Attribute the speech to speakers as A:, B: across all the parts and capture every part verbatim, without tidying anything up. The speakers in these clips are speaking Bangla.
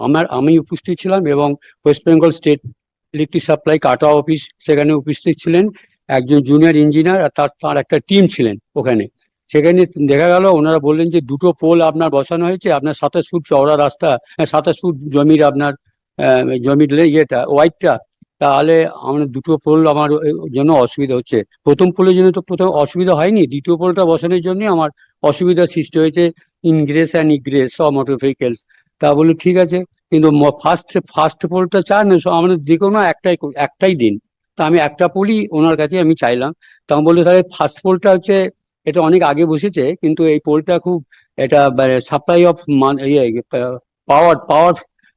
A: আমার আমি উপস্থিত ছিলাম এবং West Bengal state electric supply কাটা অফিস সেখানে উপস্থিত ছিলেন, একজন জুনিয়র ইঞ্জিনিয়ার আর তার তার একটা টিম ছিলেন ওখানে। সেখানে দেখা গেল ওনারা বললেন যে দুটো পোল আপনার বসানো হয়েছে, আপনার সাতাশ ফুট চওড়া রাস্তা, সাতাশ ফুট জমির আপনার জমির ইয়েটা ওয়াইডটা, তাহলে আমার দুটো পোল আমার জন্য অসুবিধা হচ্ছে। প্রথম পোলের জন্য তো প্রথম অসুবিধা হয়নি, দ্বিতীয় পোলটা বসানোর জন্য আমার অসুবিধার সৃষ্টি হয়েছে, ingress and egress of motor vehicles. তা বলি ঠিক আছে, কিন্তু ফার্স্ট ফার্স্ট পোলটা চান আমাদের যে কোনো একটাই একটাই দিন। তা আমি একটা পোলই ওনার কাছে আমি চাইলাম। তা আমি বললো তাহলে ফার্স্ট পোলটা হচ্ছে, এটা অনেক আগে বসেছে কিন্তু এই পোলটা খুব এটা supply of power power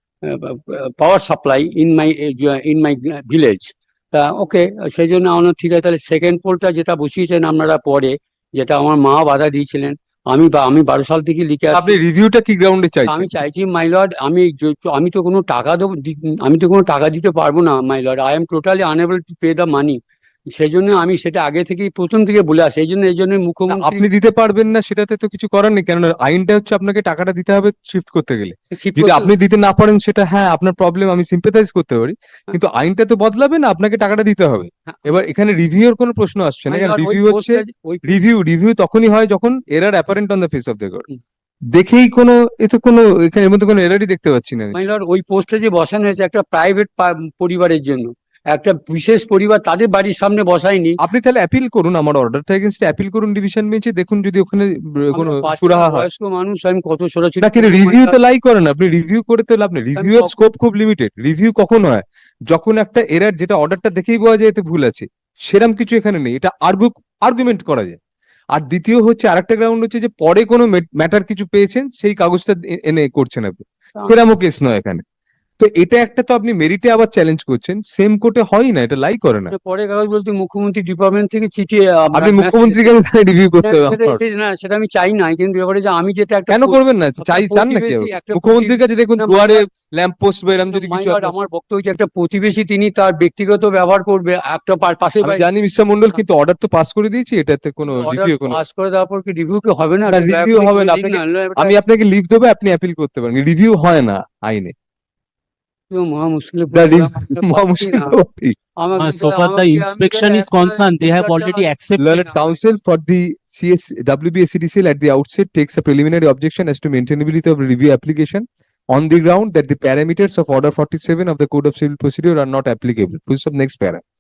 A: power supply in my in my village. তা ওকে, সেই জন্য আমার ঠিক আছে, তাহলে সেকেন্ড পোলটা যেটা বসিয়েছেন আপনারা পরে, যেটা আমার মা বাধা দিয়েছিলেন, আমি বা আমি বারো সাল থেকে লিখে আসছি।
B: আপনি রিভিউটা কি গ্রাউন্ডে চাইছেন?
A: আমি চাইছি মাই লর্ড, আমি আমি তো কোনো টাকা দেবো, আমি তো কোনো টাকা দিতে পারবো না my lord, I am totally unable to pay the money. সেই জন্য আমি সেটা আগে থেকেই প্রথম থেকে বলে আসি, এই জন্য এই জন্য মুখ্যমন্ত্রী।
B: আপনি দিতে পারবেন না সেটাতে তো কিছু করার নেই, কেননা আইনটা হচ্ছে আপনাকে টাকাটা দিতে হবে শিফট করতে গেলে। যদি আপনি দিতে না পারেন সেটা হ্যাঁ আপনার প্রবলেম, আমি সিম্পাথাইজ করতে পারি, কিন্তু আইনটা তো বদলাবে না, আপনাকে টাকাটা দিতে হবে। এবার এখানে রিভিউর কোনো প্রশ্ন আসছে না, কারণ রিভিউ হচ্ছে রিভিউ রিভিউ তখনই হয় যখন error apparent on the face of the god. দেখেই কোনো এতে কোনো এখানে এর মধ্যে কোনো এরারই দেখতে পাচ্ছি না।
A: মাই লর্ড, ওই পোস্টে যে বসানো হয়েছে একটা প্রাইভেট পরিবারের জন্য, একটা বিশেষ পরিবার, তাদের বাড়ির সামনে বসায়নি।
B: আপনি তাহলে অ্যাপিল করুন, আমার অর্ডারটা এগেইনস্ট অ্যাপিল করুন ডিভিশন বেঞ্চে, দেখুন যদি ওখানে কোনো সুরাহা হয়।
A: বয়স্ক মানুষ, আমি কত ছোটাছুটি
B: না, কিন্তু রিভিউ তো লাই করেন আপনি, রিভিউ করে তো লাভ নেই, রিভিউ এর স্কোপ খুব লিমিটেড। রিভিউ কখন হয়? যখন একটা এরার, যেটা অর্ডারটা দেখেই বোঝা যায় এতে ভুল আছে, সেরকম কিছু এখানে নেই, এটা আর্গু আর্গুমেন্ট করা যায়। আর দ্বিতীয় হচ্ছে আরেকটা গ্রাউন্ড হচ্ছে যে পরে কোনো ম্যাটার কিছু পেয়েছেন সেই কাগজটা এনে করছেন আপনি, সেরকমও কেস নয় এখানে। তো এটা একটা তো আপনি মেরিটে আবার চ্যালেঞ্জ করছেন, সেম কোর্টে হয় না, এটা লাই করে না।
A: পরে কাগজ বলতে মুখ্যমন্ত্রী ডিপার্টমেন্ট থেকে চিঠি,
B: আপনি মুখ্যমন্ত্রীর কাছে রিভিউ করতে হবে।
A: না সেটা আমি চাই না, কিন্তু এবারে যে আমি যেটা একটা
B: কেন করবেন না, চাই চান নাকি মুখ্যমন্ত্রীর কাছে? দেখুন দুয়ারে ল্যাম্প পোস্ট বা এরকম যদি কিছু।
A: আমার বক্তব্য হচ্ছে একটা প্রতিবেশী, তিনি তার ব্যক্তিগত ব্যবহার করবে একটা পাশে।
B: জানি মিস্টার মন্ডল, কিন্তু অর্ডার তো পাস করে দিয়েছি, এটাতে কোনো রিভিউ কোনো
A: পাস করে দেওয়ার পর কি রিভিউ কি হবে না?
B: রিভিউ হবে না, আমি আপনাকে লিভ দেবো, আপনি অ্যাপিল করতে পারেন, রিভিউ হয় না আইনে।
A: মহা মুশকিল।
C: So far the inspection is concerned, they have already accepted.
B: Learned counsel for the C S W B S C D C L at the outset takes a preliminary objection as to maintainability of the review application on the ground that the parameters of Order forty-seven of the Code of Civil Procedure are not applicable. Full stop, next para.